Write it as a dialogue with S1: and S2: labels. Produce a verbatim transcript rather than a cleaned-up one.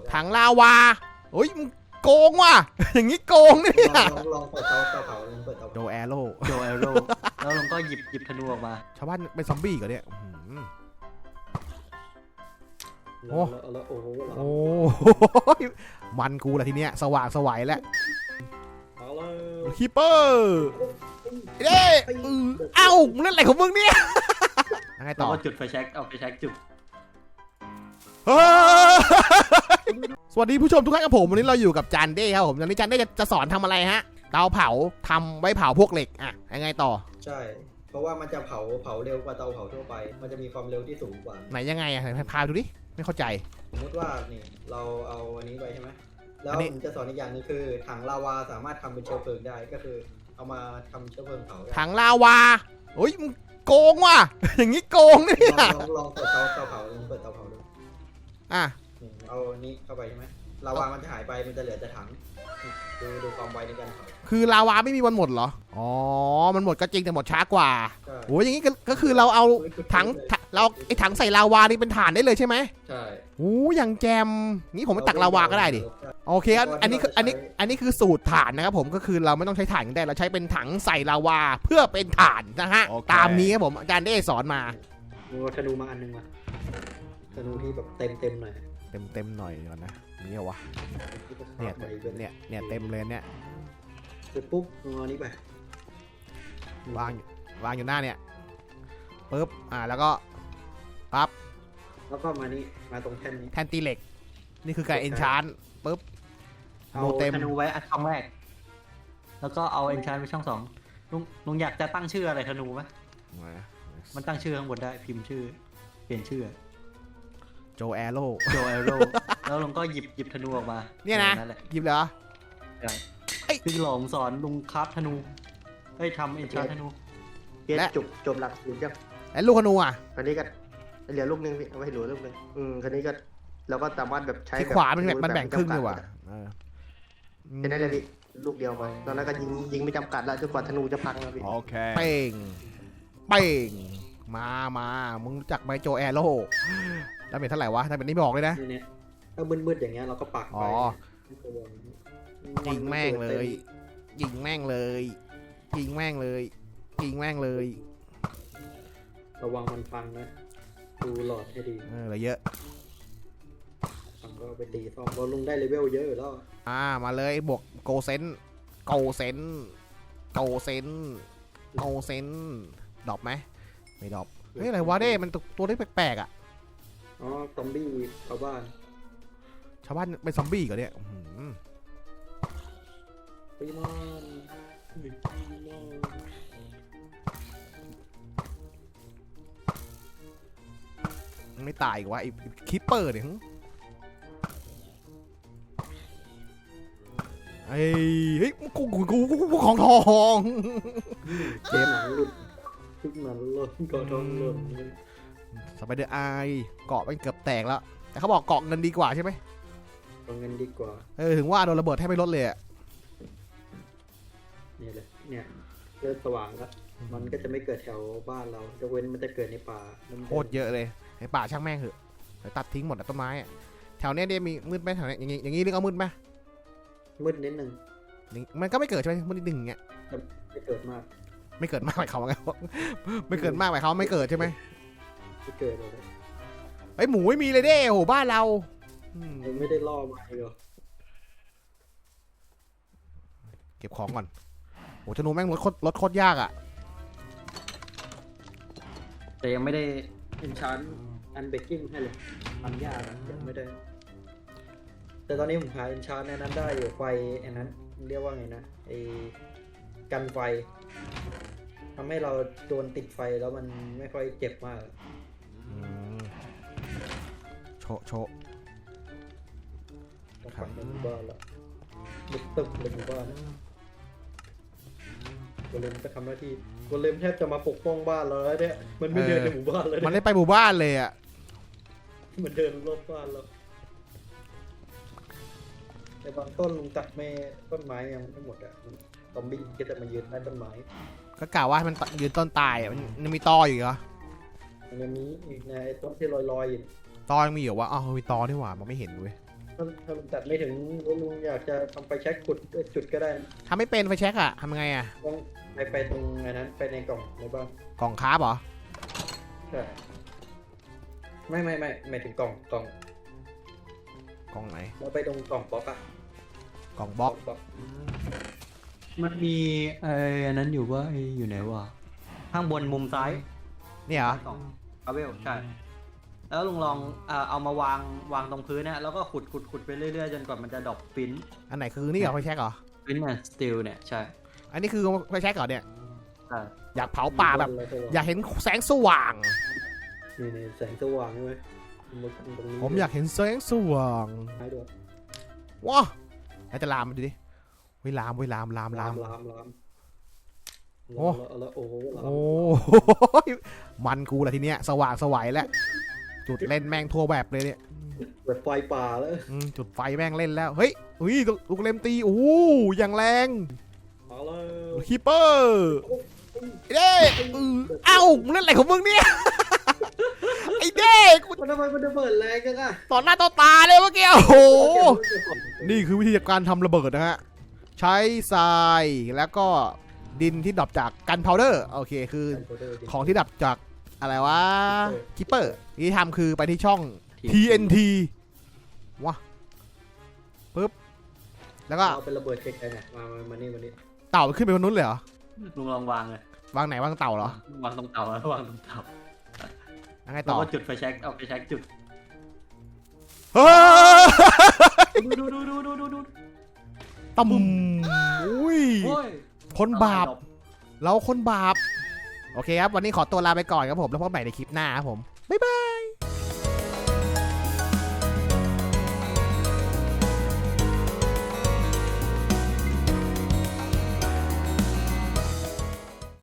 S1: ถังลาวาเฮ้ยมึงโกงว่ะอย่างนี้โกงเนี่ย
S2: ลองลองเปิดเตาเตาเผาลองเปิดเตา
S1: โดแอโร่
S3: โดแอโร่แล้วลุงก็หยิบหยิบธนูออกมา
S1: ชาวบ้านเป็นซอมบี้ก่อนเนี่ยโอ้
S2: โอ้โห
S1: โอ้มันกูละทีเนี้ยสว่างสวัยแล้ว
S2: เอาเลย
S1: ฮิปเปอร์เด้เอ้ามึงเล่นอะไรของมึงเนี่ยยังไง
S3: แล้
S1: ต่
S3: ว
S1: อ
S3: ก็จุดไฟแช็กเอาไฟแช็กจุด
S1: สวัสดีผู้ชมทุกท่านกับผมวันนี้เราอยู่กับจานเด้ครับผมวันนี้จานเด้จะจะสอนทำอะไรฮะเตาเผาทำไว้เผาพวกเหล็กอ่ะยังไงต่อ
S2: ใช่เพราะว่ามันจะเผาเผาเร็วกว่าเตาเผาทั่วไปมันจะมีความเร็วที่สูงกว่า
S1: ไหนยังไงอ่ะไหนพาดูดิไม่เข้าใจ
S2: สมมติว่านี่เราเอาอันนี้ไปใช่ไหมแล้วผมจะสอนอีกอย่างนึงคือถังลาวาสามารถทำเป็นเชื้อเพลิงได้ก็คือเอามาทำเชื้อเพลิงเผาได้
S1: ถังลาวาเฮ้ยมึงโกงว่ะอย่างนี้โกงเนี่ย
S2: ลองลองเปิดเตาเตาเผาลองเปิดเตาเผาดู
S1: อ่ะ
S2: เอานี้เข้าไปใช่ไหมลาวามันจะหายไปมันจะเหลือแต่ถังดูดูความไวในการเผา
S1: คือลาวาไม่มีวันหมดเหรออ๋อมันหมดก็จริงแต่หมดช้ากว่าโอ้ยอย่างนี้ก็คือเราเอาถังเราไอ้ถังใส่ลาวานี่เป็นฐานได้เลยใช่ไหม
S2: ใช่
S1: โอ้อย่างแจมนี่ผมไปตักลาวาก็ได้ดิโอเคครับอันนี้คืออันนี้อันนี้คือสูตรฐานนะครับผมก็คือเราไม่ต้องใช้ถ่านกันได้เราใช้เป็นถังใส่ลาวาเพื่อเป็นฐานนะฮะตามนี้ครับผมอาจารย์ได้สอนมา
S2: ดูธนูมาอันนึงมาธนูที่แบบเต็มเต็มหน่อย
S1: เต็มเต็มหน่อยก่อนนะนี่เหรอวะเนี่ยเนี่ยเนี่ยเต็มเลยเนี่ย
S2: เสร็จปุ๊บเอานี้ไป
S1: วางวางอยู่หน้าเนี่ยปึ๊บอ่าแล้วก็ปั๊บ
S2: แล้วก็มานี่มาตรงแท่นนี้
S1: แท่นตีเหล็กนี่คือการเอนชานปึ๊บ
S3: เอาธนูไว้อันช่องแรกแล้วก็เอาเอนชานไปช่องสองลุงลุงอยากจะตั้งชื่ออะไรธนูไหมมันตั้งชื่อข้างบนได้พิมพ์ชื่อเปลี่ยนชื่อ
S1: โจแอโร่
S3: โจแอโร่แล้วลุงก็หยิบหยิบธนูออกมา
S1: เนี่ยนะหยิบเหรอ
S3: ใช่พี่หลงสอนลุงคราฟธนูเฮ้ยทำเอนชานธนู
S2: เก็บจบจบหลักสูตรยัง
S1: ไอ้ลูกธนูอ่ะ
S2: คันนี้ก็เหลือลูกนึงพี่เอาไว้เหลือลูกนึงอืมคันนี้ก็เราก็สามารถแบบใช้
S1: ที่ขวามันแบบมันแบ่งครึ่งดีกว่า
S2: แค่นั้นเลยพี่ลูกเดียวไปตอนนั้นก็ยิงยิงไม่จำกัดแล้วจนกว่าธนูจะพังแล้วพี่
S1: โอเคเป้งเป้งมามามึงจักไมโจแอโร่แล้วเป็นเท่าไหร่วะถ้าเป็นนี่บอกเลยนะ
S2: ถ้ามืดๆอย่างเงี้ยเราก็ปักไป
S1: ยิงแม่งเลยยิงแม่งเลยยิงแม่งเลยยิงแม่งเลย
S2: ระวังมันฟังนะดูหลอดให้ดี
S1: เออเยอะ
S2: ฟังก็ไปตีซ่อมเราลงได้เลเวลเยอะแล้ว
S1: อ่ามาเลยบวกโกเซนโกเซนโกเซนโกเซนดรอปไหมไม่ดรอปเฮ้ยอะไรวะเด้มันตัวได้แปลกๆอ่ะ
S2: อ๋อซอมบี้ชาวบ้าน
S1: ชาวบ้านเป็นซอมบี้ก่อนเนี่ย
S2: ปีมอน
S1: ไม่ตายอีกวะไอ้คิปเปอร์เนี่ยไอ้เฮ้ยกูกูกูกูของทอง
S2: เจ็บหนังหลุดทุกหนังหลุดเกาะทองหลุด
S1: สไปเดอร์ไอเกาะมันเกือบแตกแล้วแต่เขาบอกเกาะเงินดีกว่าใช่ไหม
S2: เกาะเงินดีกว่า
S1: เออถึงว่าโดนระเบิดแทบไม่ลดเลยอ่ะ
S2: เนี่ยเลยเนี่ยเริ่มสว่างแล้วมันก็จะไม่เกิดแถวบ้านเราจะเว้นมันจะเกิดในป่า
S1: โคตรเยอะเลยในป่าช่างแม่งเหอะตัดทิ้งหมดต้นไม้แถวเนี้ยเดี๋ยวมีมืดไหมแถวเนี้ยอย่างงี้อย่างงี้เรียกว่ามืดไหม
S2: มืดนิดนึง
S1: มันก็ไม่เกิดใช่ไหมมืดนิดนึงเงี้ย
S2: ไม่เกิดมาก
S1: ไม่เกิดมากหมายความว่าไงไม่เกิดมากหมายความไม่เกิดใช่ไหม
S2: ไม่เกิดเลย
S1: ไอ้หมูไม่มีเลยเด้โหบ้านเรา
S2: ไม่ได้ล่อมาเหรอ
S1: เก็บของก่อนโหธนูแม่งรถโคตรรถโคตรยากอ่ะ
S2: แต่ยังไม่ได้เอนชานอันเบกกิ้งให้เลยทำยากยังไม่ได้แต่ตอนนี้ผมหาเอนชานในนั้นได้อยู่ไฟอันนั้นเรียกว่าไงนะไอ้กันไฟทำให้เราโดนติดไฟแล้วมันไม่ค่อยเจ็บมาก
S1: โชโช
S2: ขับในหมู่บ้านแล้วตึกตึกในหมู่บ้านโกเลมก็ทำหน้าที่โกเลมแทบจะมาปกป้องบ้านแล้วเนี่ยมันไม่เดินในหมู่บ้านเลย
S1: มันได้ไปหมู่บ้านเลยอ่ะ
S2: มันเดินรอบบ้านแล้วในบางต้นลุงตัดไม่ต้นไม้ยังไม่หมดอ่ะซอมบี้ก็จะมายืนใต้ต้นไม้
S1: ก็กล่าวว่ามันยืนต้นตายอ่ะมันยังมีตออยู่เหรอ
S2: มันยังมีอีกในต้นที่ลอยๆอยู่
S1: ตอยังมีอยู่วะอ๋อมีตอที่หว่ามันไม่เห็นเว้ย
S2: ถ้าถ้าลุงตัดไม่ถึงลุงอยากจะทำไฟแช็กขุดด้วยจุดก็ได้นะ
S1: ทำไม่เป็นไฟแช็กอะทำยังไงอะ
S2: ต้องไปไปตรงอันนั้นไปในกล่องในบ้าน
S1: กล่องคาร์บเหรอ
S2: ใช่ไม่ไม่ไม่ไม่ถึงกล่องกล่อง
S1: กล่องไหน
S2: เราไปตรงกล่องบล็อกอะ
S1: กล่องบล็อก
S2: บล็อก
S3: มันมีไอ้อันนั้นอยู่ว่าไอ้อยู่ไหนวะข้างบนมุมซ้าย
S1: เนี่ยเหรอ
S3: กล่องคาเวลใช่ แล้วลุงลองเอ่อเอามาวางวางตรงพื้นเนี่ยแล้วก็ขุดขุดขุดไปเรื่อยๆจนกว่ามันจะดรอปปิ้น
S1: อันไหนคือนี่เหรอไฟแช็กเหรอ
S3: ปิ้นแอนด์สตีลเนี่ยใช่
S1: อันนี้คือไฟแช็กเหรอเนี่ย
S3: ใช่
S1: อยากเผาป่าแบบ
S2: อะไรตัว
S1: อยากเห็นแสงสว่าง
S2: นี่นี่แสงสว่างใช่ไหมนตรงนี้
S1: ผมอยากเห็นแสงสว่าง
S2: ให้ด้วย
S1: ว้าแล้วจะลามมาดูดิเว้ยลามเว้ยลามลามลาม
S2: ลามลาม
S1: โอ้
S2: แล้วแล้วโอ้โหลาม
S1: โอ้ยมันกูแหละทีเนี้ยสว่างสวัยแล้วจุดเล่นแม่งทั่วแบบเลยเนี่ย
S2: แบบไฟป่าแล้ว
S1: อืมจุดไฟแม่งเล่นแล้วเฮ้ยอุ้ยลูกเล่มตีโอ้อย่างแรง
S2: มาแล้ว
S1: ฮีเปอร์ไอ้เด้เออเอ้ามึงเล่นอะไรของมึงเนี่ย ไอ้เด้กู
S2: มันทำไมมันระเบิดแรงจังอะ
S1: ต่อหน้าต่อตาเลยเมื่อกี้โอ้โหนี่คือวิธีการทำระเบิดนะฮะใช้ทรายแล้วก็ดินที่ดับจากกันพาวเดอร์โอเคคือของที่ดับจากอะไรวะคิปเปอร์ที่ทำคือไปที่ช่อง ที เอ็น ที ว้าปึ๊บแล้วก็
S2: เอาเป็นระเบิดไกลๆหน่อยมามามานี่มานี่
S1: เต่าขึ้นไปบนนู้นเลยเหรอ
S3: ลุงลองวางเลยว
S1: างไหนวางเต่าเหรอ
S3: วางตรงเตาแล้ววางตรงเตา
S1: ยังไง
S3: แล้
S1: ต่
S3: ว
S1: อ
S3: ก็จุดไฟแช็กเอาไฟแช็กจุด
S1: เฮ้ย
S3: ดูดูดูดูดูดู
S1: ต่ำอุ้ย
S3: โอ้ย
S1: คนบาป เราคนบาป โอเคครับ วันนี้ขอตัวลาไปก่อนครับผม แล้วพบกันใหม่ในคลิปหน้าครับผม บ๊ายบาย